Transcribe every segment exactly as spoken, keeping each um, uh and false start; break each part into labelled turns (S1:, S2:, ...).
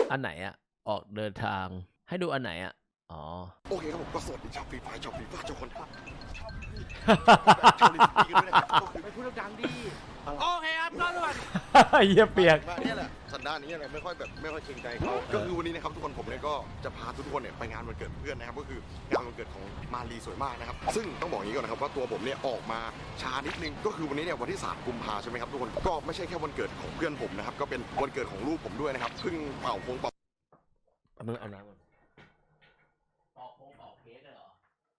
S1: อันไหนอะออกเดินทางให้ดูอันไหนอะอ๋อ
S2: โอเคครับผมก็สวัสดีชาวฟรีไฟชาวฟรีไฟชาวคนชาวชาวลิสตี้กันด้วยนะครับก็คือ
S3: ไม่พูดดังดีโอเคครับก็ด่วน
S1: เยี่ยเปียก
S2: นี่แหละสันดานนี้อะไรไม่ค่อยแบบไม่ค่อยเกรงใจเขาก็คือวันนี้นะครับทุกคนผมเนี่ยก็จะพาทุกคนเนี่ยไปงานวันเกิดเพื่อนนะครับก็คืองานวันเกิดของมาลีสวยมากนะครับซึ่งต้องบอกอย่างนี้ก่อนนะครับว่าตัวผมเนี่ยออกมาช้านิดนึงก็คือวันนี้เนี่ยวันที่สามกุมภาใช่ไหมครับทุกคนก็ไม่ใช่แค่วันเกิดของเพื่อนผมนะครับก็เป็นวันเกิดของลูกผมด้วยนะครับเพิ่งเป่าพงเป่า
S1: มึงเอาน้ำมันเป่าพงเป่าเค้กเหรอ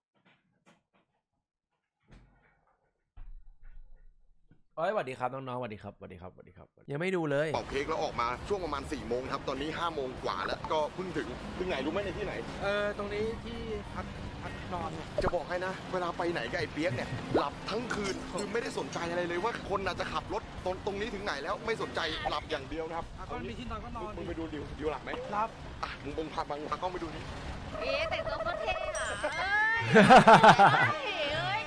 S1: เอ้ยสวัสดีครับน้องๆสวัสดีครับสวัสดีครับสวัสดีครับยังไม่ดูเลย
S2: เป่าเค้กแล้วออกมาช่วงประมาณสี่โมงครับตอนนี้ห้าโมงกว่าแล้วก็เพิ่งถึงเพิ่งไหนรู้ไหมในที่ไหน
S3: เออตรงนี้ที่พักพักนอน
S2: จะบอกให้นะเวลาไปไหนกับไอ้เปี๊ยกเนี่ยหลับทั้งคืนคือไม่ได้สนใจอะไรเลยว่าคนอาจจะขับรถตรงตรงนี้ถึงไหนแล้วไม่สนใจหลับอย่างเดียวนะครับ
S3: ก็มีที่นอนก็นอน
S2: มึงไปดูดิวดิวหลับไหม
S3: หลับ
S2: อ่ะมึงมึงพาบังพากล้องไปดูดิ
S4: เอ๊ะแต่งตัวก็เท่อะเอ้ยเอ้ย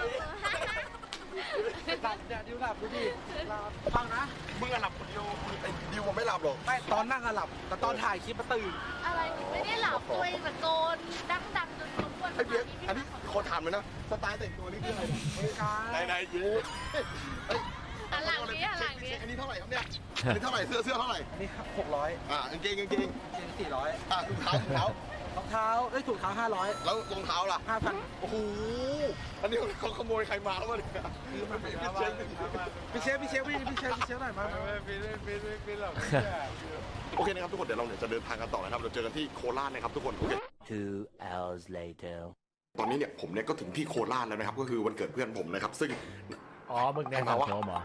S3: หลับเนี่ยดิวหลับดูดิหลับฟังนะ
S2: มึงอะหลับคนเดียวไอ้ดิวมันไม่หลับหรอก
S3: ไม่ตอนนั่งอะหลับแต่ตอนถ่ายคลิปมาตื่น
S4: อะไรไม่ได้หลับตัวเองตะโกนดังดังจนรบกวน
S2: ไอ้เปี๊ยกอันนี้คนถามเลยนะสไตล์แต่งตัวนี่คืออะไรไหนไหนเย้
S4: อันหลังนี้อันหลังนี้
S2: อันนี้เท่าไหร่ครับเนี่ยอันนี้เท่าไหร่เสื้อเสื้อเท่าไหร่
S3: อันนี้หกร้อย
S2: อ่ากางเกงกางเกง
S3: กางเกงสี่ร้อย
S2: อ่ะถุงเท้าถุงเท้
S3: ารองเท้าเอ้ยถุงเท้าห้าร้อย
S2: แล้วรองเท้าล่ะ
S3: ห้าพัน
S2: โอ้โหอันนี้เขาขโมยใครมาแล้วเนี่ยคือมันเป็น
S3: พี่เชฟพี่เชฟพี่เชฟพี่เชฟพี่เชฟหน่อยมาพี่พี่พี่พี่หรอก
S2: โอเคนะครับทุกคนเดี๋ยวเราเนี่ยจะเดินทางกันต่อนะครับเราเจอกันที่โคราชนะครับทุกคนโอเค
S1: two hours later
S2: ตอนนี้เนี่ยผมเนี่ยก็ถึงที่โคราชแล้วนะครับก็คือวันเกิดเพื่อนผมนะครับซึ่ง
S1: อ๋อมึงแน่นอนโชว์หรอ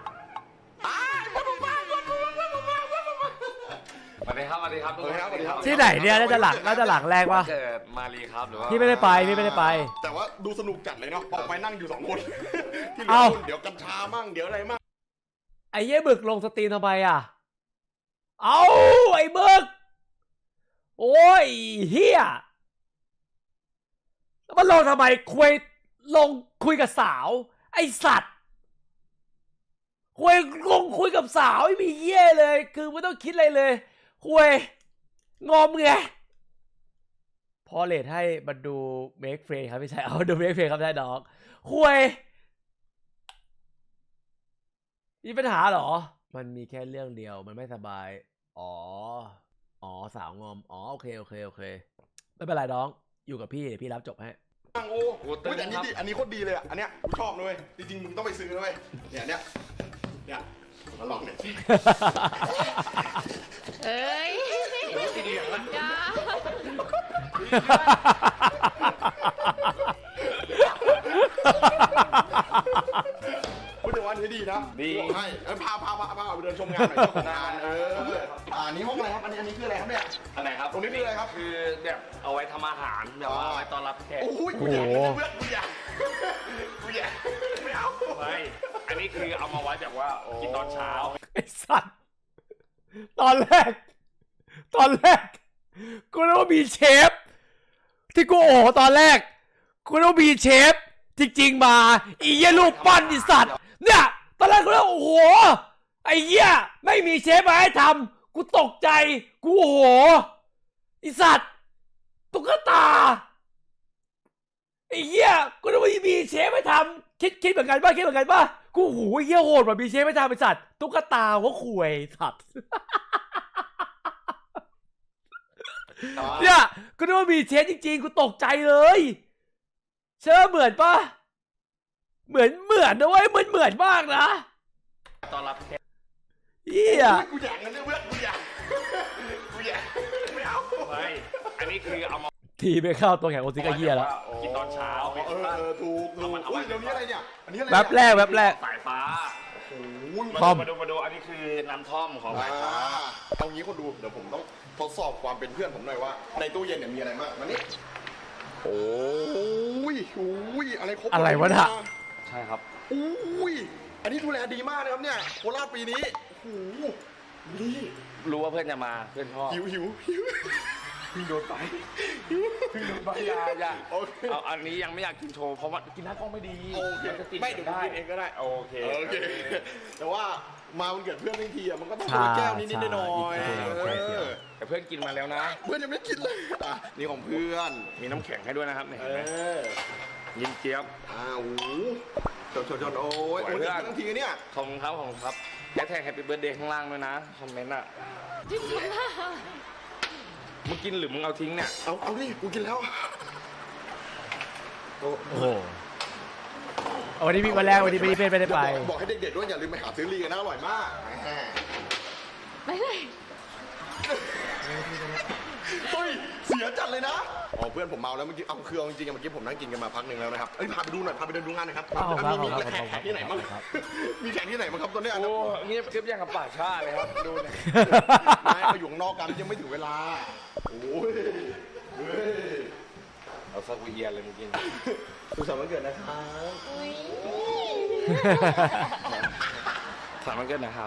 S5: สวัสดีครับสวัสดีครับ
S1: ที่ไหนเนี่ยน่าจะหลังน่าจะหลังแรกวะ
S5: เกิดมาลีครับหรือว่า
S1: พี่ไม่ได้ไปพี่ไม่ได้ไป
S2: แต่ว่าดูสนุกจัดเลยเนาะออกไปนั่งอยู่สองคนที่เหลือเดี๋ยวกัญชามั่งเดี๋ยวอะไรมั่ง
S1: ไอ้เหี้ยบึกลงสตรีมทำไมอ่ะเอาไอ้บึกโอ้ยเฮียแล้วมันลงทำไมคุยลงคุยกับสาวไอ้สัตว์คุยลงคุยกับสาวไม่มีเหี้ยเลยคือไม่ต้องคิดอะไรเลยคุยงอมไงพอเลทให้มาดูเมคเฟรครับไม่ใช่เอาดูเมคเฟรครับได้ดอกคุยมีปัญหาเหรอมันมีแค่เรื่องเดียวมันไม่สบายอ๋ออ๋อสาวงอมอ๋อโอเคโอเคโอเคไม่เป็นไรน้องอยู่กับพี่พี่รับจบให้
S2: โอ้โหแต่อันนี้ดีอันนี้โคตรดีเลยอ่ะอันเนี้ยกูชอบเลยจริงๆมึงต้องไปซื้อเลยเนี่ยเนี่ยเนี่ยมาลองเนี่ย
S4: เอ้ยจ้า
S2: พูดถึงวันนี้ดีนะ
S5: ดี
S2: ให้พาพาพาพาไปเดินชมงานหน่อยชมงานเอออันนี้ห้องอะไรครับอันนี้อันนี้คืออะไรครับเนี่ย
S5: อันไหนครับ
S2: ตรงนี้คืออะไรครับ
S5: คือแบบเอาไว้ทำอาหารแบบว่าไว้ต้อนรับแขก
S2: โอ้ยกูอยากเพื่อนกูอยากกูอยากไม่เอา
S5: ไม่อันนี้คือเอามาไว้แบบว่ากินตอนเช้า
S1: ไอ้สัตว์ตอนแรกตอนแรกกูนึกว่ามีเชฟที่กูโอ้ตอนแรกกูนึกว่ามีเชฟจริงๆมาอีเหี้ยลูกปั้นไอ้สัตว์เนี่ยตอนแรกกูนึกว่าโอ้โหไอ้เหี้ยไม่มีเชฟมาให้ทำกูตกใจกูโอ้โหไอ้สัตว์ตุ๊กตาไอ้เหี้ยกูนึกว่ามีเชฟให้ทำคิดคิดเหมือนกันป่ะคิดเหมือนกันป่ะกูโหเหี้ยโหดแบบมีเชฟให้ทำไอ้สัตว์ตุ๊กตาหัวข่วยสัตว์เนี่ยกูนึกว่ามีเชฟจริงๆกูตกใจเลยเชื่อเหมือนป่ะเหมือนเหมือนนะเว้ยมันเหมือนมากนะ
S5: ตอนรับแขก
S1: เฮีย
S2: กูอยากเงินเพื่อนกูอยากกูอยากไม่เอา
S5: ไม่อันนี้คือเอามา
S1: ทีไปเข้าตัวแข่งโอซิกาเฮียแล้ว
S5: กินตอนเช้า
S2: เออเออถูกถูกอุ้ยเดี๋ยวนี้อะไรเนี่ยอันนี้อะไร
S1: แวบแรกแวบแรก
S5: สายฟ้า
S2: โอ้ย
S5: มาดูมาดูอันนี้คือน้ำท่อมของสายฟ้า
S2: เอางี้คนดูเดี๋ยวผมต้องทดสอบความเป็นเพื่อนผมหน่อยว่าในตู้เย็นเนี่ยมีอะไรบ้างมานี่โอ้ยโอ้ยอะไรครบ
S1: อะไรวะน่ะ
S5: ใช่ครับ
S2: โอ้ยอันนี้ดูแลดีมากนะครับเนี่ยโคราชปีนี้โอ้โหนี่
S5: รู้ว่าเพื่อนจะมาเพื่อนชอบ
S2: หิวหิวหิว
S5: พี่โดนไปพี่โดนไปยาอย่าเอาอันนี้ยังไม่อยากกินโชว์เพราะว่ากินหน้ากล้องไม่ดี
S2: โอเคไม่เดี๋ยวกินเองก็ได้
S5: โอเค
S2: โอเคแต่ว่ามาวันเกิดเพื่อนทั้งทีอ่ะมันก็ต้องคนละแก้วนิดๆหน่อยๆ
S1: ใช่ใช่
S2: เออ
S5: แต่เพื่อนกินมาแล้วนะ
S2: เพื่อนยังไม่กินเลยอ่ะนี่ของเพื่อน
S5: มีน้ำแข็งให้ด้วยนะครับเนี่ย
S2: เอ
S5: เห็นไหม
S2: อ
S5: ยินเจี๊ยบ
S2: อ้าวชนชนชนโอ้ย
S5: ไหว
S2: โอ้ย
S5: เพื่อน
S2: ทั้งทีเนี่ย
S5: ขอบคุณครับขอบคุณครับแฮชแท็กแฮปปี้เบิร์ดเดย์ข้างล่างด้วยนะคอมเมนต์อ่ะ
S4: จริงๆค่ะ
S5: มึงกินหรือมึงเอาทิ้งเนี่ย
S2: เอาเอาดิกูกินแล้ว
S1: โอ้โหเอาวันนี้พี่วันแรกวันนี้ไม่ได้ไม่ได้ไป
S2: บอกบอกให้เด็กๆด้วยอย่าลืมไปหาซื้อลีกันนะอร่อยมากแหม
S4: ไปเลย
S2: เฮ้ยเสียจัดเลยนะอ๋อเพื่อนผมเมาแล้วเมื่อกี้เอาคือเอาจริงๆเมื่อกี้ผมนั่งกินกันมาพักหนึ่งแล้วนะครับเอ้ยพาไปดูหน่อยพาไปเดินดูงานหน่อยครับ
S1: อ้าวครับ
S2: มีมี
S1: ครับ
S2: แขกแขกที่ไหนบ้าง
S1: ครับ
S2: มีแขกที่ไหนบ้างครับตอนเนี้ย
S5: โอ้เงียบกริบอย่างกับป่าชาเลยครับดูเนี่ย
S2: ไม่มาอยู่ข้างนอกกันยังไม่ถึงเวลาโอ้ยเฮ้ย
S5: เอาสักวีเยียนเลยมึงกิน
S2: สุขสันต์วันเกิดนะครับ
S4: อุ้ย
S5: ถามมันเกินนะครับ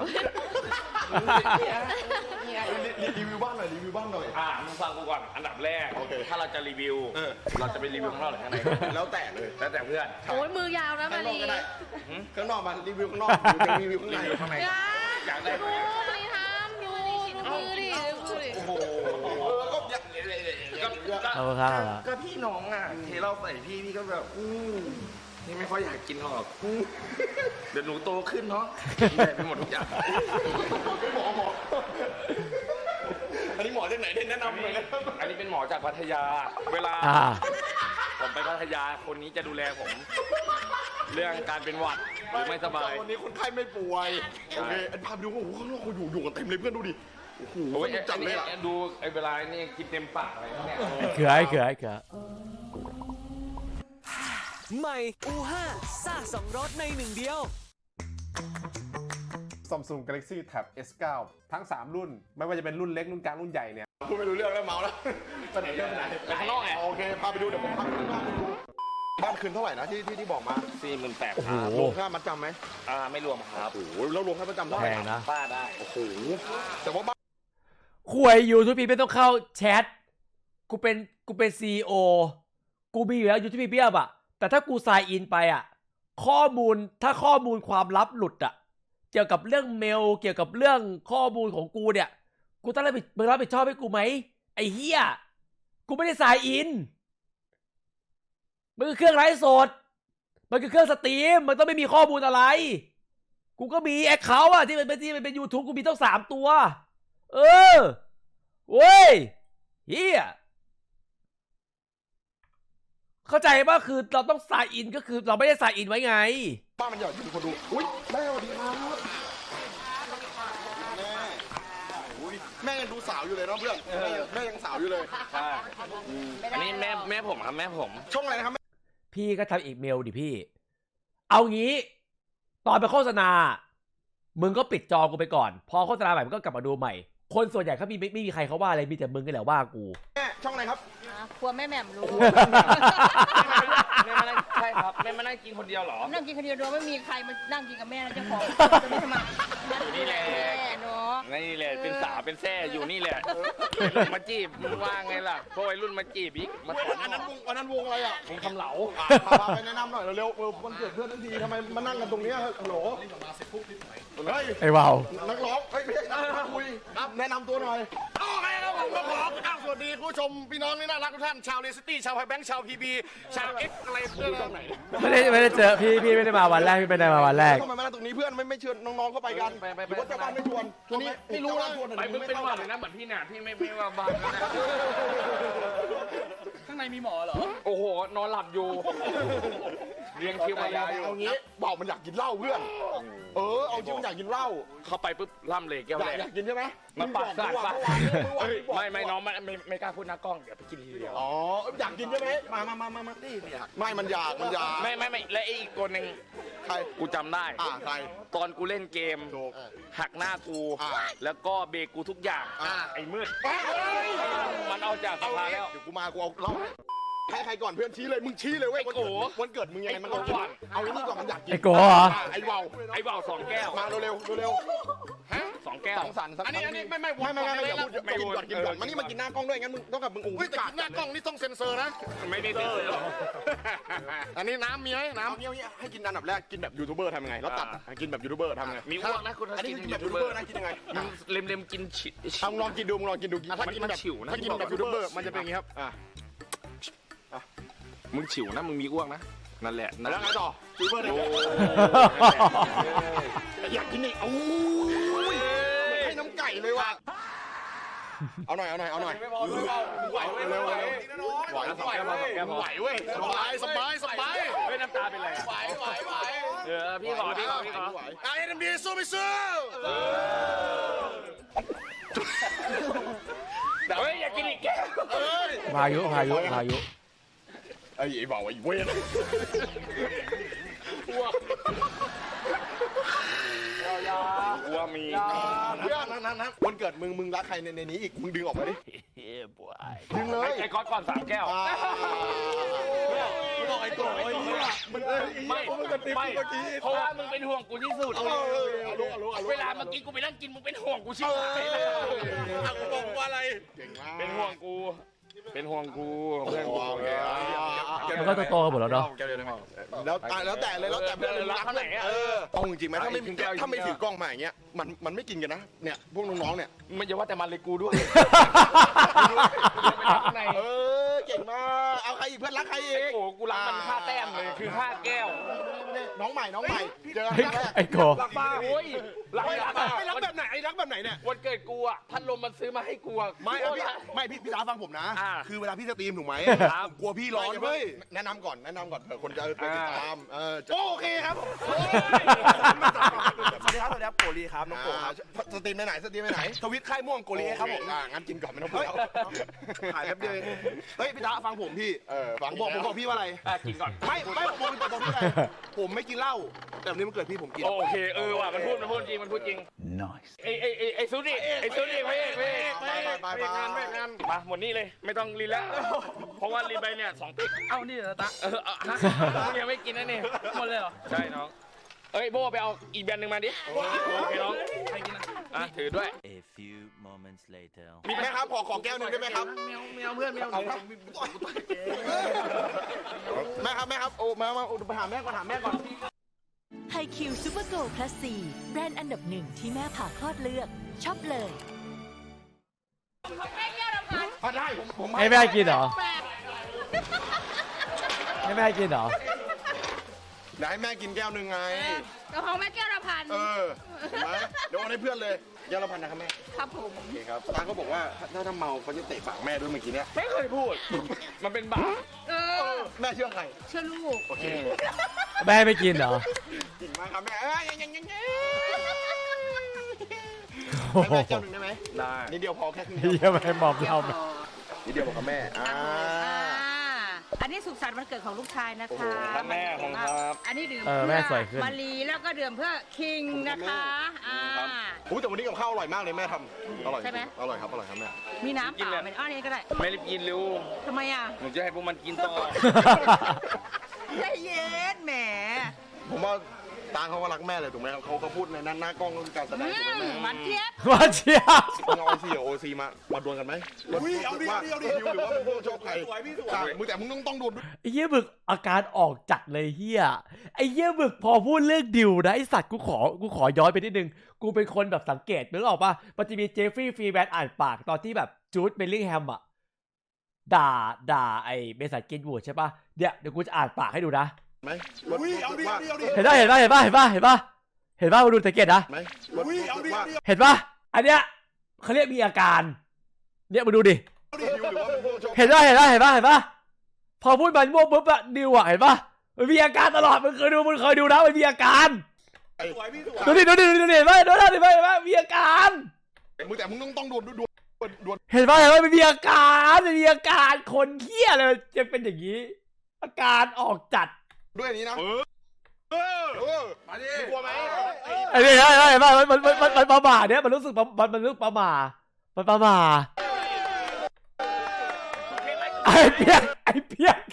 S2: รีรีวิวบ้านหน่อยรีวิวบ้านหน่อย
S5: อ่ามึงฟังกูก่อนอันดับแรก
S2: โอเค
S5: ถ้าเราจะรีวิว
S2: เออ
S5: เราจะไปรีวิวข้างนอกหรือข้างใน
S2: แล้วแต่เลย
S5: แล้วแต่เพื่อน
S4: โอ้ยมือยาวนะมา
S2: ข้างนอก
S4: ลี
S2: ก็ได้
S5: หืม
S2: ข้างนอกมารีวิวข้างนอกหรือจะรีวิวข้างใน
S5: รีวิวข้างใน
S4: อยา
S5: อยากได้
S4: ดูมาลีทำดูดูมือดิดูมือดิ
S2: โอ้โหเออก็อยาก
S5: ก็ก็
S1: เอาครับเอาครับ
S5: ก็พี่น้องอ่ะเทเราใส่พี่พี่ก็แบบอืมนี่ไม่ค่อยอยากกินหรอกอืมเดี๋ยวหนูโตขึ้นเนาะกินได้ไปหมดทุกอย่าง
S2: หมอหมออันนี้หมอที่ไหนได้แนะนำเลยนะ
S5: อันนี้เป็นหมอจากพัทยา เวลา
S1: อ่า
S5: ผมไปพัทยาคนนี้จะดูแลผม เรื่องการเป็นหวัดหรือไม่สบาย
S2: วันนี้คนไข้ไม่ป่วย โอเคอันพาไปดูว่าโอ้โหข้างนอกเขาอยู่อยู่กันเต็มเลยเพื่อนดูดิ โอ้โห
S5: โอ้ย
S2: สนุกจัดเลยอ่ะ
S5: ไอ้ดูไอ้เวลานี่กินเต็มปากอะไรเนี่ย
S1: เขือไอ้เขือไอ้เขือ
S6: ใหม่ อู ห้า ซ่าสองรสในหนึ่งเดียว
S3: Samsung Galaxy Tab เอส ไนน์ ทั้ง สาม รุ่น ไม่ว่าจะเป็นรุ่นเล็ก รุ่นกลาง รุ่นใหญ่เนี่ย
S2: พูดไม่รู้เรื่องแล้วเมาแล้วไปไหนเรื่องไปไหน
S5: ไปข้างนอกไง
S2: โอเคพาไปดูเดี๋ยวผมพาไปข้างนอกไปดูบ้านคืนเท่าไหร่นะที่ที่ที่บอกมา
S5: สี่หมื่นแปด
S1: โอ้
S5: ค
S1: โห
S5: รับ
S2: รวมค่ามัดจำไหม
S5: อ่าไม่รวมครับ
S2: โอ้โหแล้วรวมค่ามัดจำเท่าไห
S1: แพ
S2: ร่
S1: งนะ
S5: ป้าได้
S2: โอ้โหแต่ว่าบ้าน
S1: คุยยูทูบพีไม่ต้องเข้าแชท กูเป็นกูเป็นซีโอกูมีอยู่แล้วยูทูบพีเบียบอะแต่ถ้ากูไซน์อินไปอะข้อมูลถ้าข้อมูลความลับหลุดอะเกี่ยวกับเรื่องเมล เกี่ยวกับเรื่องข้อมูลของกูเนี่ย กูต้องรับผิดมึงรับผิดชอบให้กูไหมไอ้เฮียกูไม่ได้ไซน์อินมันคือเครื่องไร้สด มันคือเครื่องสตรีม มันต้องไม่มีข้อมูลอะไร กูก็มีแอคเคาท์อะที่มันเป็นที่มันเป็นยูทูบกูมีต้องสามตัว เออเว้ยเฮียเข้าใจป่ะคือเราต้องไซน์อินก็คือเราไม่ได้ไซน์อินไว้ไง
S2: บ้านมันใหญ่อยู่คนดูอุ้ยแม่สวัสดีครับแม่อุ้ยแม่ยังดูสาวอยู่เลยเนาะเพื่อนแม่ยังแม่ยังสาวอยู่เลย
S5: ใช่อันนี้แม่แม่ผมครับแม่ผม
S2: ช่องอะไรนะครับแม่
S1: พี่ก็ทำอีเมลดิพี่ เอางี้ ตอนไปโฆษณา มึงก็ปิดจอกูไปก่อน พอโฆษณาใหม่มึงก็กลับมาดูใหม่ คนส่วนใหญ่เขามีไม่ไม่มีใครเขาว่าอะไร มีแต่มึงก็แหละว่ากู
S2: แม่ช่องอะไรครับ
S4: อ่ะครัวแม่แหม่มรู้
S5: แม่มานั่งใช่ครับแม่มานั่งกินคนเดียวเหรอ
S4: นั่งกินคนเดียวโดยไม่มีใครมานั่งกินกับแม่นะเจ้าของจะไม่ทำไม
S5: นี่แหละ
S4: แม่เนาะ
S5: นี่แหละเป็นสาวเป็นแซ่อยู่นี่แหละวัยรุ่นมาจีบมึงว่าไงล่ะพวกวัยรุ่นมาจีบอีกมาถอน
S2: อันนั้นวงอันนั้นวงอะไรอ่ะ
S5: มึงทำเหลา
S2: อ่ะพาพาไปแนะนำหน่อยเร็วๆเออวันเกิดเพื่อนทั้งทีทำไมมานั่งกันตรงเนี้ยฮัลโหลเฮ้ย
S1: ไอ้วาว
S2: นักร้องเฮ้ยไม่ใช่นักร้องคุยครับแนะนำตัวหน่อยโอเคครับผมก็ขออ้าวสวัสดีคุณผู้ชมพี่น้องนี่น่ารักทุกท่านชาวเรสตี้ชาวไฮแบงค์ชาวพีบีชาวเอ็กอะไรเพื่อนตรงไหน
S1: ไม่ได้ไม่ได้เจอพี่พี่ไม่ได้มาวันแรกพี่ไม่ได้มาวันแรก
S2: ทำไมมานั่งตรงนี้เพื่อนไม่ไม่เชิญน้องๆเข้าไปกันหรือว่าเจ้าบ้านไม่ชวนทีนี้ไม่รู้นะ
S5: ไปมึงเป็นหวัดเลยนะเหมือนพี่เนี่ยพี่ไม่ไม่ว่าบ้านนะ
S6: ข้างในมีหมอเหรอ
S5: โอ้โหนอนหลับอยู่เรียงคิวมายาวอยู่
S2: เอางี้บอกมันอยากกินเหล้าเพื่อนเออเอาจริงมันอยากกินเหล้า
S5: เข้าไปปุ๊บล่ำเลยแก้ว
S2: อยา
S5: แร
S2: ก
S5: ก
S2: อยากกินใช่ไหม
S5: มันปากสาดปาก
S2: เฮ้ย
S5: ไม่ไม่น้องมันไม่ไม่กล้าพูดหน้ากล้องเดี๋ยวไปกินทีเดียว
S2: อ๋ออยากกินใช่ไหมมามามามามาดิไม่มันอยากมันอยาก
S5: ไม่ไม่ไม่และไอ้อีกคนหนึ่ง
S2: ใคร
S5: กูจำได้
S2: อ่าใคร
S5: ตอนกูเล่นเกม
S2: ถูก
S5: หักหน้ากู
S2: อ่า
S5: แล้วก็เบรกกูทุกอย่าง
S2: อ่า
S5: ไอ้มืด
S2: เฮ้ย
S5: มันเอาจากส
S2: เอา
S5: ภา
S2: งี้
S5: แล้ว
S2: เดี๋ยวกูมากูเอาเหล้าให้ใครก่อนเพื่อนชี้เลยมึงชี้เลยเว้ย
S5: ไอ้โก
S2: วันเกิดมึงยังไงมันต้อง
S5: ไอ้โก
S2: กินเอาไอ้นี่ก่อนมันอยากกิน
S1: ไอ้โกเหรอ
S2: ไอ้เบา
S5: ไอ้เบาสองแก้ว
S2: มาเร็วๆเร็ว
S5: ฮะสององแก้ว
S2: สังสรรค์สัก
S3: อันนี้อันนี้ไม่ไม่
S2: ไม่ไม่ไม่ไม่อย่าพูด
S5: ไม่
S2: กิน
S5: พูด
S2: ก่อนกินก่อนมานี่มากินหน้ากล้องด้วยงั้นมึงต้องกับมึงอุ้ง
S3: เฮ้ยแต่กินหน้ากล้องนี่ต้องเซ็นเซอร์นะ
S5: ไม่ได้เซ็นเซอร์หรอก
S3: อันนี้น้ำมีไหมน้
S2: น้ำเงี้ยให้กินอันดับแรกกินแบบยูทูบเบอร์ทำยังไงแล้วตัดกินแบบยูทูบเบอร์ทำยังไง
S5: มีอ้วกนะคุณ
S2: อันนี้
S5: กิน
S2: กิน
S5: แบ
S2: แบบ บ
S5: ยู
S2: ยู
S5: ทู
S2: ทู
S5: บบ เบ
S2: เบ
S5: อ
S2: อ
S5: ร์
S2: ร์นะกินยังไง
S5: มึงเล็มเล็มๆกินฉิ
S2: ทำลองกินดูมึงลองกินดูถ้ากินแบบ
S5: ฉิวนะ
S2: ถ้ากินแบบยูทูบเบอร์มันจะเป็นอย่างนี้ครับอ่ะ
S5: มึงฉิวนะมึงมีอ้วกนะนั่นแหละนั่น
S2: แล้วไงต่อยูทูบเบอร์เนี่ย
S5: โอ้
S2: อยากกินอีกโอ้ยให้น้ำไก่เลยว่ะเอาหน่อยเอาหน่อยเอาหน่อยไหวเร็วเร็วไหวสองแก้วพอสองแก้วพอไหวเว้ยสบายสบายสบาย
S5: เฮ้ยน้ำตาเป็นไรอะ
S2: ไหวไหวไหว
S5: เออพี่ขอพี่ขอพี่ขอ
S2: ไอ้เอ็มดีสู้ไม่สู้
S5: เฮ้ยอยากกินอีกแก้ว
S2: เอ้ย
S1: พายุพายุพายุ
S2: ไอ้ไอ้บ่าวไอ้เว้ย
S5: อ้วกมี
S2: เพื่อนนั่นนั่นวันเกิดมึงมึงรักใครในในนี้อีกมึงดึงออกมาดิดึงเลย
S5: ไอ้ก๊อตก่อนสามแก้ว
S2: มึงบอกไอ้โกรธไอ้เหี้ยมึงเอ้ย
S5: ไม่ไม่เพราะว่ามึงเป็นห่วงกูที่สุด
S2: เออเอาลูกเอาลูกเอาลูก
S5: เวลาเมื่อกี้กูไปนั่งกินมึงเป็นห่วงกูชิบหายเลย
S3: ำอ่ะกูบอกว่าอะไร
S2: เก่งมาก
S5: เป็นห่วงกู เป็นห่วงกูเพื่อนกู
S2: โอเค
S1: แล้วก็โตๆกันหมดแล้วเนาะ
S5: แก้วเดียวได้ไหม
S2: แล้วแล้วแต่เลยแล้วแต่เพื่อนเลยรักเท่าไหร่เออเอาจริงๆไหมถ้าไม่ถ้าไม่ถือกล้องมาอย่างเงี้ยมันมันไม่กินกันนะเนี่ยพวกน้องๆเนี่ย
S5: ไม่จะว่าแต่มันเลยกูด้วย
S2: เออเก่งมากเอาใครอีกเพื่อนรักใครอีก
S5: โอ้โหกูรักมันค่าแต้มเลยคือค่าแก้ว
S2: น้องใหม่น้องใหม่เจอกัน
S1: ไอ้
S2: ครั้งแรก
S1: ไอ้โก
S5: รักบ้าโอ้ยรักรัก
S3: ไม่รักแบบไหนไอ้รักแบบไหนเนี่ย
S5: วันเกิดกูอ่ะพัดลมมันซื้อมาให้กูอ่ะ
S2: ไม่เอาพี่ไม่พี่พี่ตาฟังผมนะ
S5: อ่า
S2: คือเวลาพี่สตรีมถูกไหม
S5: ครับ
S2: กลัวพี่ร้อนเว้ยแนะนำก่อนแนะนำก่อนเผื่อคนจะไปติดตามเออจะ
S3: โอเคครับสวัสดีครับสวัสดีครับโกลีครับน้องโกครับ
S2: อ่าสตรีมไปไหนสตรีมไปไหน
S3: ทวิตค่ายม่วงโกลีครับผม
S2: อ่างั้นกินก่อนไม่ต้องพูดแล้ว
S3: ถ่ายแป๊บเดียวเองเฮ้ยพี่ตาฟังผมพี่
S2: เออฟัง
S3: ผมบอกผมบอกพี่ว่าอะไร
S5: อ่ะกินก่อน
S3: ไม่ไม่ผมบอกบอกพี่อะไรผมไม่กินเหล้าแต่วันนี้มันเกิดพี่ผมกิน
S5: โอเคเออว่ะมันพูดมันพูดจริงมันพูดจริง nice ไอไอไอไอซูดิไอซูดิไม่ไม่
S2: ไปไปไป
S3: งานไม่งาน
S5: มาหมดนี่เลยไม่ต้องรีแล้วเพราะว่ารีไปเนี่ยสองติ๊กเอ้านี่เหรอตาเออเอาฮะมึงยังไม่กินนะนี่หมดเลยเหรอใช่น้องเอ้ยโบไปเอาอีกแบรนด์หนึ่งมาดิโอเคน้องใครกินอ่ะถือด้วย
S7: A few moments later.
S2: มีไหมครับขอขอแก้วหนึ่งได้ไหมครับ
S3: แมวแมวเพื่อนแมว
S2: เอาครับแม่ครับแม่ครับโอ้มามาไปหาแม่ก่อนหาแม่ก่อน
S8: ไฮคิวซูเปอร์โกลด์พลัสซีแบรนด์อันดับหนึ่งที่แม่ผ่าคลอดเลือกช็อปเลย
S4: แม่เยี่ยวลำพัน
S2: อ่ะได้ผมผม
S1: ให้แม่กินเหรอ
S4: แปด
S1: ให้แม่กินเหรอ
S2: เดี๋ยวให้แม่กินแก้วหนึ่งไง
S4: กระเพราแม่เยี่ยวลำพัน
S2: เออเห็นไหมเดี๋ยวเอาให้เพื่อนเลยแก้วละพันนะครับแม่
S4: ครับผม
S2: โอเคครับตาเขาบอกว่าถ้าถ้าเมาเขาจะเตะปากแม่ด้วยเมื่อกี้เนี้ย
S5: ไม่เคยพูด มันเป็นบาป
S4: เออ
S2: แม่เชื่อใคร
S4: เชื่อลูก
S2: โอเค
S1: แม่ไม่กินเหรอ
S2: จริงมากครับแม่เอ้ยยังยังยังยัง
S1: โอ้
S2: ให้
S1: โห
S2: แม่แก้วหนึ่งได้ไหม
S5: ได้
S2: นิดเดียวพอแค่ครึ่ง
S1: เฮียไม่มอมเรา
S2: นิดเดียวพอครับแม่อ่า
S4: อันนี้สุขสันต์วันเกิดของลูกชายนะคะ
S5: ครับแม่ของครับ
S4: อันนี้ดื่ม
S1: เออ
S4: เพื่
S1: แม่สวยขึ้น
S4: มารีแล้วก็ดื่มเพื่อคิงนะคะอ่า
S2: อุ้ยแต่วันนี้กับข้าวอร่อยมากเลยแม่ทำอร่อย
S4: ใช่ไหม
S2: อร่อยครับอร่อยครับแม่
S4: มีน้ำเปล่าไหมอ้อนี้ก็ได้
S5: ไม่รีบกินเร็ว
S4: ทำไมอ่ะ
S5: หนูจะให้พวกมันกินต่อ
S4: ใจเย็นแหม
S2: ผมว่าตาเขาก็รักแม่เลยถูกไหมครับเขาเขาพูดในหน้าหน้ากล้องเรื่องการแสด
S4: อื
S2: งถูกไหม
S4: ม
S2: แม่
S4: มันเจี๊ยบ
S1: ว่าเชียบ
S2: มึงเอาโอซีกับโอซีมามาดวลกันไหม
S3: อุ้ยเอาดิเอาดิเอาดิ
S2: ดิวหรือว่าเป็นพวกชอบใคร
S3: สวยพี่สวย
S2: ใช่มึงแต่มึงต้องต้องดวลด้วย
S1: ไอ้เหี้ยบึกอาการออกจัดเลยเฮียไอ้เหี้ยบึกพอพูดเรื่องดิวนะไอสัตว์กูขอกูขอย้อนไปนิดนึงกูเป็นคนแบบสังเกตนึกออกปะมันจะมีเจฟฟรีย์ฟรีแบนอ่านปากตอนที่แบบจูดเบลลิงแฮมอะด่าด่าไอ้เมสันกินวูดใช่ปะเดี๋ยวเดี๋ยวกูจะอ่านปากให้ดูนะ
S2: ไหม
S3: อุ้ยเอาดิเอาดิเอาดิ
S1: เห็นปะเห็นปะเห็นปะเห็นปะเห็นปะเห็นปะมาดูสังเกตนะ
S2: ไหม
S3: อุ้ยเอาดิ
S2: ว่า
S3: เอาดิ
S1: เห็นปะอันเนี้ยเขาเรียกมีอาการเนี่ยมาดูดิ
S2: ดิวหรือว่าเป็นพวกชอบ
S1: เห็นปะเห็นปะเห็นปะเห็นปะพอพูดมันม่วงปุ๊บอะดิวอะเห็นปะมันมีอาการตลอดมึงเคยดูมึงเคยดูนะมันมีอาการ
S3: สวยพี่สวย
S1: ดูดิดูดิดูดิดูดิเห็นปะดูดิเห็นปะเห็นปะมีอาการ
S2: มึงแต่มึงต้องต้องดวลดวลดวล
S1: เห็นปะเห็นปะมันมีอาการมันมีอาการคนเหี้ยเลยจะเป็นอย่างนี้ อาการออกจัด
S2: ด้วยอันนี้นะ
S3: เออ
S2: เออ
S3: มาดิ
S2: กลัวไหม
S1: ไอ้นี่เห็นปะเห็นปะมันมันมันมันประมาทเนี่ยมันรู้สึกประมันมันรู้สึกประมาทมันประมาทไอ้เปียกไอ้เปียก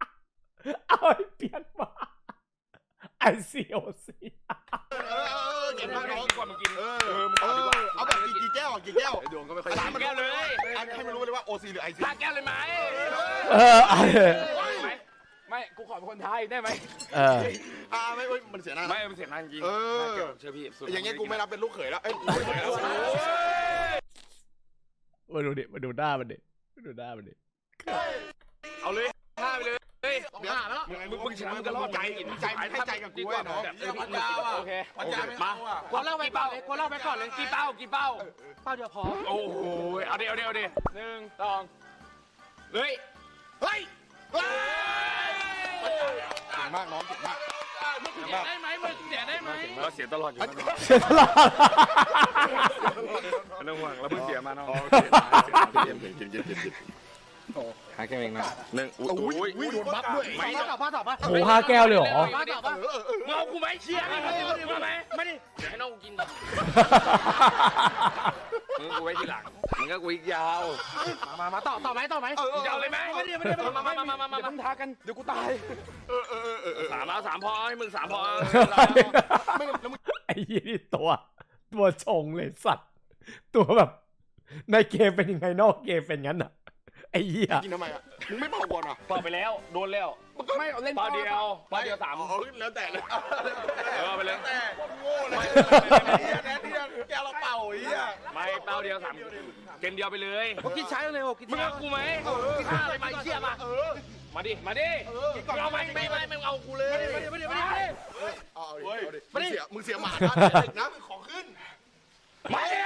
S1: เอาไอ้เปียกมาไอซีโอซี
S2: เออเก่งมากน้อง
S5: กว่ามึงกิน
S2: เออ
S5: เออมึง
S2: เอ
S5: เอาดีก
S2: อ
S5: ว่า
S2: เอาแบบกี่กี่แก้วกี่แก้ว
S3: ดวงก็ไม่ค่อย
S2: สาม
S5: แก้วเลย
S2: ให้มันรู้เลยว่าโอซีหรือไอซี
S5: ห้าแก้วเลยไหม
S1: เออเอาเลย
S5: ไหมไม่กูขอเป็นคนไทยได้ไหม
S1: เออ
S2: อ่าไม่ไม่มันเสียหน้า
S5: ไม่มันเสียงานจริง
S2: เออ
S5: ห้าแก้วเชื่อพี่สุด
S2: อย่างเงี้ยกูไม่รับเป็นลูกเขยแล้วเอ้ย
S1: มาดูดิมาดูหน้ามันดิมาดูหน้ามันดิ
S5: เอาเลยห้าไปเลยเฮ้ย
S2: เดี๋ยวมึง
S5: มึงมึงชนะมึงก็รอด
S2: ใจใจให้ใจกับกูไว้น้อง
S5: เออพันยาวอ่ะโอเค
S3: ปัญญาไม่
S5: มา
S3: เอาอ่ะ
S5: กดเล่าไปเป้าเลยกดเล่าไปก่อนเลยกี่เป้ากี่เป้าเป้าเดียวพอโอ้โหเอาดิเอาดิเอาดิหนึ่งสองเฮ้ย
S2: เฮ้ยเก่งมากน้องเก่งมาก
S5: มึงเสียได้ไหมมึงเสียได้ไหมเราเสียตลอดอยู่
S1: เสียตลอด
S5: ไม่ต้องห่วงเราเพิ่งเสียมาน้อง
S2: เย็นเย็นเย็นเย็นเย็น
S5: หาแค่เองนะหนึ่งอุ้ย
S2: อุ้ยโดนบัฟด้วย
S5: ไม่ต่อป้าต่อป้า
S1: โหห้าแก้วเลยเหรอ
S5: ป้าต่อป้าเมากูไหมเชียร์มาไหมไม่ดิเดี๋ยวให้น้องกินก่อนมึงกูไว้ทีหลังมึงก็กูอีกยาวมามาต่อต่อไหมต่อไหมจะเอาเลยไหมไม่ได้ไม่ได้มามามามามาเดี๋ยวมึงท้ากันเดี๋ยวกูตายสามเอาสามพอให้มึงสามพอ
S2: ไม่แล้วมึง
S1: ไอ้ยี่นี่ตัว ตัวชงเลยสัตว์ ตัวแบบ ในเกมเป็นยังไงนอกเกมเป็นงั้นอ่ะ ไอ้เหี้ย
S2: กินทำไมอ่ะมึงไม่เผาก่อนอ่ะ
S5: เป่าไปแล้วโดนแล้วไม่เล่นเป่าเดียวเป่าเดียวสาม
S2: อ๋อแล้วแต่เลย
S5: เออไปเลย
S2: แต่โง่เลยแน่ที่แกเราเป่าอีอ่ะ
S5: ไม่เป่าเดียวสามเกมเดียวไปเลย
S3: กินใช้เลยโอ้กิน
S5: มึงเอากูไหมกินข้าวอะไรมาเชี่ยมามาดิมาดิเอาไหมไม่ไม่ไม่เอากูเลยมาดิมาดิมาดิมาดิ
S2: เอาดิเอาดิมึงเสียมึงเสียหมานะมึงของขึ้น
S5: มาดิ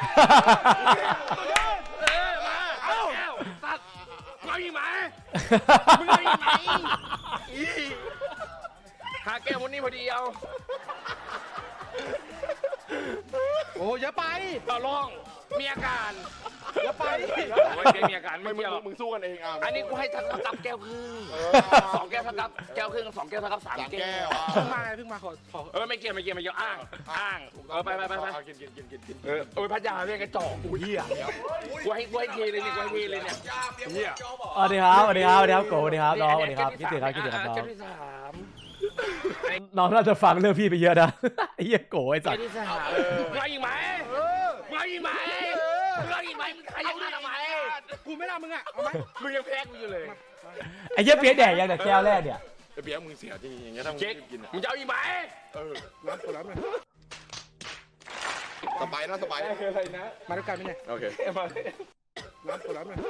S5: เออมาเอาสัตว์เอาอีกไหมมึงเอาอีกไหมหาแก้ววันนี้พอดีเอา
S3: โอ้เยอะไป
S5: ต่อรองมีอาการ
S3: เยอะไป
S5: ไม่มีอาการ
S2: ไม่
S5: ไม่
S2: มึง
S5: เกี่ยวหรอก
S2: มึงสู้กันเองอ่ะ
S5: อันนี้กูให้ทักับแก้วครึ่งสองแก้วทักับแก้วครึ่งสองแก้วทักับสาม
S2: สาม
S5: แก้
S2: แก้
S5: ว
S2: ว
S3: เพิ่งมาไงเพิ่งมาขอขอ
S5: เออไม่เกี่ยวไม่เกี่ยวไม่เกี่ยวอ้างอ้างเออไปไปไปไป
S2: กินกินกินกินกิน
S5: เออโอ้ยพัทยาเรียกกระจอกกูเหี้ยกูให้กูให้เทเลยเนี่ยกูให้เทเลยเนี่ยเหี้ย
S1: สวัสดีครับสวัสดีครับสวัสดีครับโกสวัสดีครับน้องสวัสดีครับคิดถึงครับคิดถึงครับน้อง
S5: แก้วที่สาม
S1: น้องน่าจะฟังเรื่องพี่ไปเยอะนะ ไอ้เหี้ยโกไอ้สั
S5: แก้
S1: ต
S5: ว
S1: ว์
S5: ที่สามมึงเอาอีกไหมมึงเอาอีกไหมมึงเอาอีกไหมมึงขยันทำไม
S3: กูไม่รับมึงอ่ะเอาไหม
S5: มึงยังแพ้กูอยู่เลย
S1: ไอ้เหี้ยเปี๊ยกแดกยังแต่แก้วแรกเนี่ย
S2: ไอ้เบี้ยมึงเสียจริงอย่างเงี้ยถ้ามึง
S5: เจ๊ก
S2: กินอ่ะ
S5: มึงจะเอาอีกไหม
S2: เออ
S3: รับกูรับเลย
S2: สบายนะสบาย
S5: อะไรนะ
S3: มาด้วยกันไหมเนี่ย
S2: โอเค
S5: มา
S3: รับกูรับเลย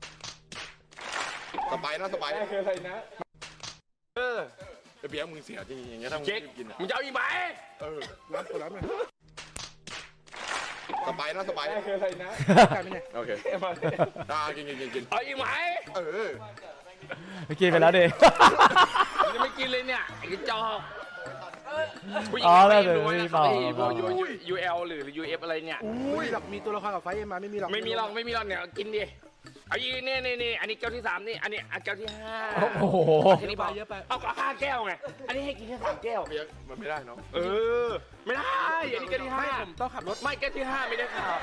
S2: สบายนะสบาย
S5: อะไรนะเออ
S2: ไอ้เบี้ยมึงเสียจริงอย่างเงี้ยถ้ามึง
S5: เจ๊ก
S2: กินอ่ะ
S5: มึงจะเอาอีกไหม
S2: เออ
S3: รับกูรับเลย
S2: สบายนะสบาย
S5: อะไรนะ
S3: กันไหมเนี่ย
S2: โอเคอ่ากินกินกินกิน
S5: เอาอีกไหม
S2: เออ
S1: เมื่อกี้ไปแล้วดิ
S5: มึงจะไม่กินเลยเนี่ยไอ้กระจอกผู้หญิง
S1: อ๋อ
S5: ไม่
S1: แล้ว
S5: รู้
S1: เดี๋ยว
S5: นะ
S1: ไม่
S5: ครับ
S1: บอก
S5: ไอ้พวกยูเอลหรือยูเอฟอะไรเนี่ย
S3: อุ้ยหรอกมีตัวละครกับไฟเอ็มมาไม่มีหรอก
S5: ไม่มีหรอกไม่มีหรอกเนี่ยกินดิเอาอีกนี่นี่นี่อันนี้แก้วที่สามนี่อันนี้อันแก้วที่ห้า
S1: โอ้โห
S5: แค่นี้พอเอาก็ห้าแก้วไงอันนี้ให้กินแค่สามแก้ว
S2: เบี้ยมันไม่ได้เนาะ
S5: เออไม่ได้อันนี้แก้วที่ห้า
S3: ไม่ผมต้องขับรถ
S5: ไม่แก้วที่ห้าไม่ได้ข่าว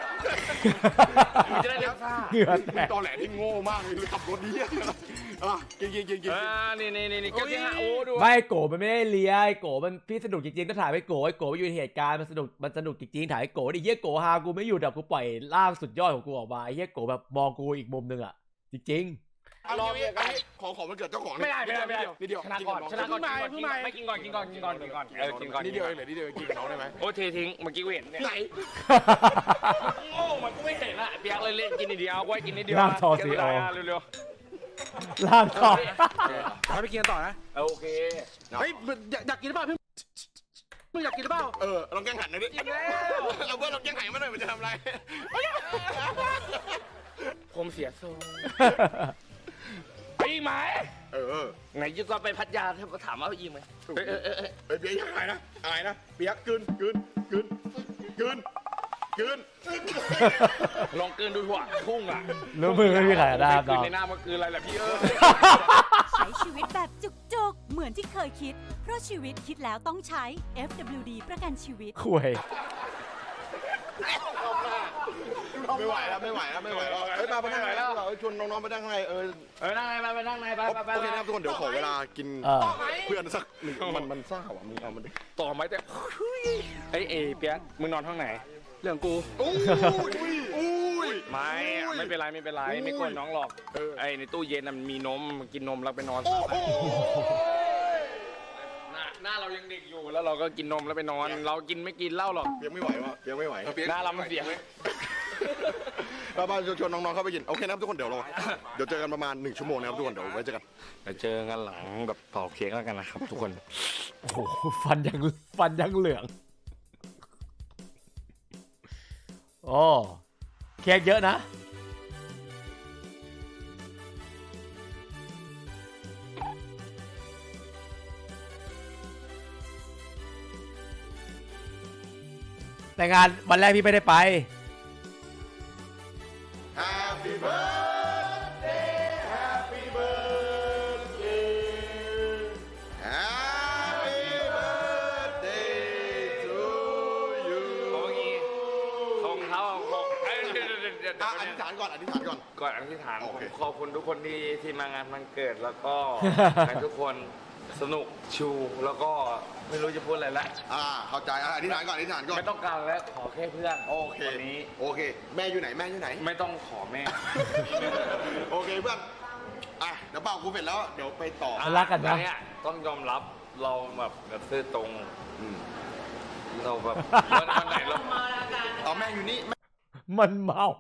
S5: มันจะได้เลี้ยงซ่า
S1: เหงื่อแตก
S2: ตอนแหลที่โง่มากเลยขับรถดีอ่ะกินกินกินกิน
S5: อ่านี่นี่นี่แก้วที่ห้าโอ้ดู
S1: ไม่โกมันไม่ได้เลี้ยไอ้โกมันพี่สนุกจริงๆก็ถ่ายไปโกไอ้โกอยู่ในเหตุการณ์มันสนุกมันสนุกจริงๆถ่ายไอ้โกดิเหี้ยโกฮากูไม่อยู่แต่กูปล่อยร่างสุดยอดของกูออกมาไอ้เหี้ยโกแบบมองกูอีกมุมนึงอ่ะจริง
S2: รอบเนี่ยขอของมันเกิดเจ้าของ
S5: ไม่ได้ไม่ได้ไม่ได้
S2: นิดเดียว
S5: ชนะก่อนชนะก่อนไม่กินก่อนกินก่อนกินก่อนกินก่อนเออกินก่อน
S2: นิดเดียวเองเหรอนิดเดียวกินกับน้องได้ไหม
S5: โอ้เททิ้งเมื่อกี้กูเห็นเนี่ย
S2: ไหน
S5: โง่มันก็ไม่เห็นอะเปียกเลยเล่นกินนิดเดียวไว้กินนิดเดียว
S1: ร่างทอซีโอ
S5: เร็ว
S1: ๆร่างทอง
S3: ไปกินต่อนะ
S5: ๆโอเค
S3: เฮ้ยอยากกินหรือเปล่าพี่มึงอยากกินหรือเปล่า
S2: เออลองแกงหันหน่อยดิเราเพื่อนลองแกงหันมาหน่อยมันจะทำอะไร
S5: ผมเสียทรงไปอีกไหม
S2: เออ
S5: ไหนยุก็ไปพัทยาถ้าถามว่าอีกไหมเออเออเออ
S2: เฮ้ยเบียร์ยังไงนะอะไรนะเบียร์กลืนกลืนกลืนกลืนกลืน
S5: ลองเกินดูหัวพุ่งอ่ะ
S1: รู้มือไม่มีใครได้ครับ
S5: คื
S1: น้
S5: น
S1: อง
S5: ในหน้ามันคืออะไรล่ะพี่เออ
S8: ใช้ชีวิตแบบจุกๆ เหมือนที่เคยคิด เพราะชีวิตคิดแล้วต้องใช้ เอฟ ดับเบิลยู ดี ประกันชีวิต
S1: คุย
S2: ไม่ไหวแล้วไม่ไหวแล้วไม่ไหวแล้วเฮ้ยมาไปนั่งไหนแล้วชวนน้องๆไปนั่งข้างในเออ
S5: เออนั่งไงไปไปนั่งไงไปไปไป
S2: โอเคนะครับทุกคนเดี๋ยวขอเวลากิน
S1: เออ
S2: เพื่อนสักหนึ่งมันมันซ่าว่ะมึงเอามันดิ
S5: ต่อไหมแต่ไอ้เอเปียกมึงนอนห้องไหนเรื่องกู
S2: อุ้ยอุ้ย
S5: ไม่ไม่เป็นไรไม่เป็นไรไม่กวนน้องหรอกไอ้ในตู้เย็นมันมีนมกินนมแล้วไปนอน
S2: โอ้โห
S5: หน้าหน้าเรายังเด็กอยู่แล้วเราก็กินนมแล้วไปนอน เรากินไม่กินเหล้าหรอก
S2: เปียกไม่ไหววะเปียกไม่ไหว
S5: หน้าเรามันเสีย
S2: เรามาชวนน้องๆเข้าไปกินโอเคนะครับทุกคนเดี๋ยวเราเดี๋ยวเจอกันประมาณหนึ่งชั่วโมงนะครับทุกคนเดี๋ยวไว้เจอกัน
S5: เดี๋ยวเจอกันหลังแบบเป่าเค้กแล้วกันนะครับทุกคน
S1: โอ้โหฟันยังฟันยังเหลือง โอ้เค้กเยอะนะ แต่งานวันแรกพี่ไม่ได้ไป
S2: Happy birthday Happy birthday Happy birthday to you
S5: เขาเมื่อกี้ของเขาของเอ้ยเดี๋ยวเดี๋ยวเดี๋ยวเดี๋ยว
S2: อ่ะอธิษฐานก่อนอธิษฐานก่อน
S5: ก่อนอธิษฐาน
S2: โอ
S5: ผม
S2: เค
S5: ขอบคุณทุกคนที่ที่มางานวันเกิดแล้วก็ ให้ทุกคนสนุกชูแล้วก็ไม่รู้จะพูดอะไรละ
S2: อ่าเข้าใจอ่ะอธิษฐานก่อนอธิษฐานก่อน
S5: ไม่ต้องการแล้วขอแค่เพื่อน
S2: โอเค
S5: วันนี้
S2: โอเค แม่อยู่ไหนแม่อยู่ไหน
S5: ไม่ต้องขอแม่
S2: โอเคเพื่อนอ่ะเดี๋ยวเป่ากูเสร็จแล้วเดี๋ยวไปต่อ
S1: รักกันนะ
S5: อัเนี่ยต้องยอมรับเราแบบแบบซื่อตรง
S2: อืม
S5: เราแบบวันวันไหนเรา
S2: เอาแม่อยู่นี่แม่
S1: มันเมา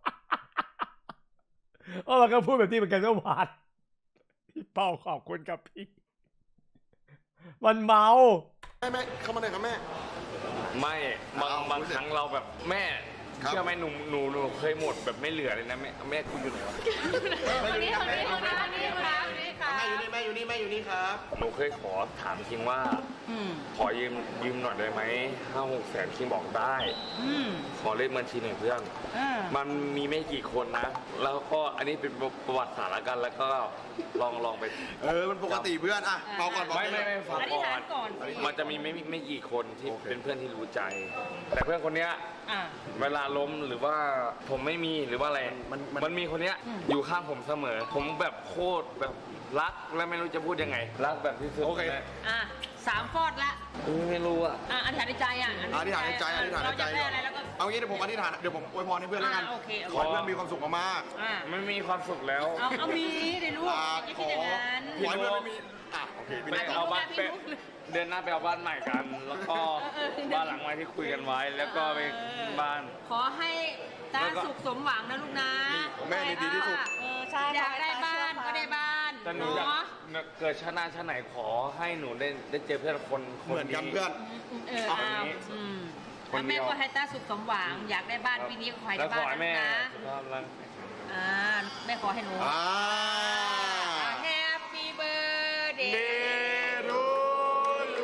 S1: เออมันก็พูดแบบนี้เหมือนกันเมื่อวานพี่เป้าขอบคุณครับพี่ มันเมา
S2: แม่แม่เข้ามาหน่อยครับแม่
S5: ไม่บาง
S2: เอา
S5: บาง
S2: พูดสิ
S5: ครั้งเราแบบแม่
S2: ครับ
S5: เชื่อไหมหนูหนูหนูเคยหมดแบบไม่เหลือเลยนะแม่แม่กูอยู่ไหนวะ
S4: วันนี้วันนี้วันนี้วันนี้ครับวันนี้ครับ
S2: แม่อยู่นี่แม่อยู่นี่แม่อยู่นี่ครับ
S5: หนูเคยขอถามคิงว่าขอยืมยืมหน่อยได้ไหมห้าหกแสนคิงบอกได้ขอเลขบัญชีหน่อยเพื่อนมันมีไม่กี่คนนะ แล้วก็อันนี้เป็นประวัติศาสตร์ละกันแล้วก็ลองลองไป
S2: เออมันปกติเพื่อนอ่ะเป่าก่อนเป่า
S5: ไม่ไม่ไม่ฟัง
S4: อธิษ
S5: ก่อ
S4: ฐาน
S5: น
S4: ก่อน
S5: มันจะมีไม่ไม่ไม่กี่คนที่
S2: โอเค
S5: เป็นเพื่อนที่รู้ใจ แต่เพื่อนคนเนี้ย
S4: อ่า
S5: เวลาล้มหรือว่าผมไม่มีหรือว่าอะไร
S2: มันมัน
S5: มันมีคนเนี้ยอยู่ข้างผมเสมอ ผมแบบโคตรแบบรักและไม่รู้จะพูดยังไง รักแบบที่สุด
S2: โอเค
S4: อ่ะสามฟอดละ
S5: เออไม่รู้อ่ะ
S4: อ่ะอธิษฐานในใจอ่ะ
S2: อธิษฐานในใจอธิษฐานในใจ
S4: เราจะได้อะไรแล้วก็
S2: เอางี้เดี๋ยวผมอธิษฐานเดี๋ยวผมอวยพรให้เพื่อนแล้วกัน
S4: อ่าโอเคโอเค
S2: ขอให้เพื่อนมีความสุขมาก
S4: อ่ะ
S5: ไม่มีความสุขแล้ว
S4: เอาเอามีได้รู้
S2: ๆอ่า
S4: ไม่
S2: ข
S4: คิด
S2: อ
S4: อย่างนั้น
S2: ขอให้เพื่อนไม่มีอ่ะโอเคพี่
S5: ไป
S2: เล็ก
S5: เอาบ้าน
S4: พี่
S5: ไป
S4: นุ๊ก
S5: เดือนหน้าไปเอาบ้านใหม่กัน แล้วก็บ้านหลังใหม่ที่คุยกันไว้ แล้วก็ไปบ้าน
S4: ขอให้ตาสุขสมหวังนะลูกนะ
S2: แม่นี่ดีที่สุด
S4: เออใช่อยากได้บ้านก็ได้บ้าน
S5: แต่หนูอยาก
S4: เนาะ
S5: เกิดชาติหน้าชาติไหนขอให้หนูได้ได้เจอเพื่อนคนคน
S2: เหมือนกัน
S5: ดี
S2: เพื่อน
S4: เออเอาอืม
S5: คน
S4: แล้ว
S5: เดี
S4: แม่
S5: ยว
S4: ก็ให้ตาสุขสมหวัง อยากได้บ้านปีนี้ก็ขอให้
S5: แล้
S4: ได้
S5: วข
S4: บ้า
S5: อน ให้
S4: นะ
S5: แม่
S4: ลูกนะ
S5: สุขภาพร่างกาย
S4: อ่าแม่ขอให้หนู
S2: อ่า
S4: แฮปปี้เบิร์ดเด
S2: เด
S4: ย์
S2: รูยู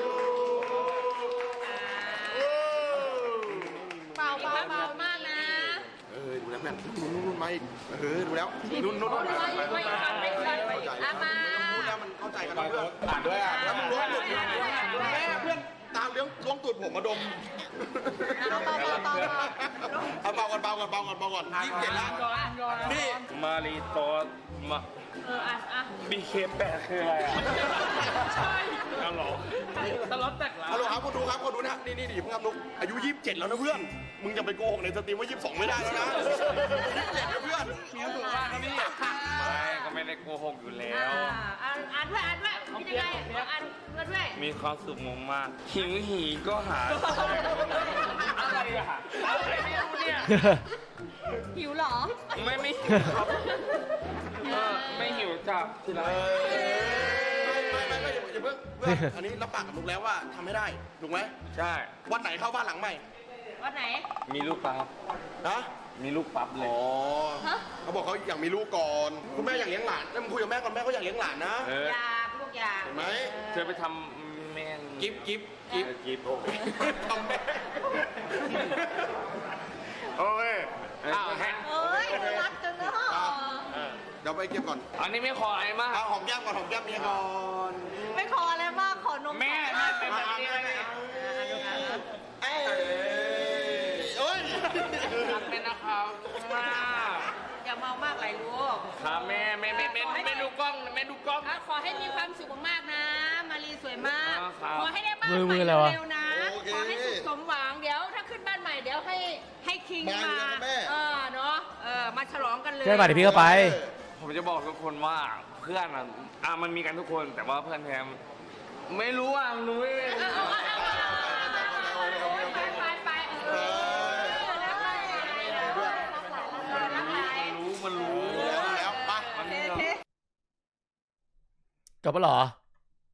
S4: เบาเบาเบามากนะ
S2: เออดูแล้วแม่นุ่นนุ่นนุ่นมาอีกเออดูแล้วนุ่นนุ่นนุ่น
S4: ไม่ไม่ไม่ไม่ไม่อามา
S2: พูดแล้วมันเข้าใจกันนะเพื่อน
S5: อ่านด้วยอ่าน
S2: แล้วมันล้วงตูดแม่เพื่อนตามเลี้ยงล้วงตูดผมมาดมเอาเบาก่อนเบาก่อนเบาก่อนเบาก่อนยี่สิบเจ็ดแล้วนี่
S5: มารีโตสมา
S4: เอออ่ะอ่ะ
S5: บีเคแปดคืออะไรอ่ะ
S4: ใช่
S5: เอาหรอตลอดแตกแล้ว
S2: ฮัลโหลครับคนดูครับคนดูนะนี่นี่ดิเพิ่งทำนุกอายุยี่สิบเจ็ดแล้วนะเพื่อนมึงจะไปโกหกในสตรีมว่ายี่สิบสองไม่ได้แล้วนะยี่สิบเจ็ดนะเพื่อน
S5: มีถูกมากครับพี่ไม่ก็ไม่ได้โกหกอยู่แล้
S4: อ่าว อ่านอ่านด้วยอ่านด้วยคิดยังไงอ่านด้วยด้วย
S5: มีความสุขมากมากหิวหีก็หาอะไรอะอะไรไม่รู้เนี่ย
S4: หิวเหรอ
S5: ไม่ไม่หิวครับเออไม่หิวจับทีไร
S2: ไม่ไม่ไม่อย่าเพิ่งเพื่อนอันนี้รับปากกับนุกแล้วว่าทำให้ได้ถูกไหม
S5: ใช่
S2: วันไหนเข้าบ้านหลังใหม่
S4: วันไหน
S5: มีลูกปั๊บ
S2: นะ
S5: มีลูกปั๊บเลย
S2: อ๋อเขาบอกเขาอยากมีลูกก่อนคุณแม่อยากเลี้ยงหลานแล้วมึงคุยกับแม่ก่อนแม่เขาอยากเลี้ยงหลานนะ
S5: เออ
S4: อยากลูกอยาก
S2: เห็นไหม
S5: เธอไปทำแม่ง
S2: กิฟกิฟกิฟ
S5: กิฟโอเค
S2: ทำแม่โอเคอ้าว
S4: เอ้ยรักจังเนาะ
S2: เดี๋ยวไปเก็บก่อน
S5: อันนี้ไม่ขออะไรมาก
S2: เอาหอมแก้มก่อนหอมแก้มเมียก่อน
S4: ไม่ขออะไรมากขอนม
S5: แม่แม่เป็นแบบนี้เลย
S2: เอ้ยเอ้ย
S5: รักเป็นนะครับทุกคนครับแม่แม่แม่แม่แม่ดูกล้องแม่ดูกล้อง
S4: ขอให้มีความสุขมากๆนะ มารีสวยมาก
S5: ครับ
S4: ขอให้ได้บ้าน
S1: มือ
S4: ให
S1: มื
S4: ม่
S1: ออะไรวะ
S4: เร็วๆนะ ขอให้สุขสมหวัง เดี๋ยวถ้าขึ้นบ้านใหม่เดี๋ยวให้ให้คิง
S2: มา
S4: มา
S2: เลยนะแม่
S4: เออเนาะ เออมาฉลองกันเลย
S1: เพื่อนมาเดี๋ยวพี่ก็ไป
S5: ผมจะบอกทุกคนว่าเพื่อนอ่ะอ่ะมันมีกันทุกคนแต่ว่าเพื่อนแทมไม่รู้อ่ะหนูไม่
S4: เออเอาเอาเอาเอาไปไปไปเออรักหลานรักหลาน
S5: รู้มันรู้
S2: แล้วไป
S5: มัน
S1: จบปะเหรอ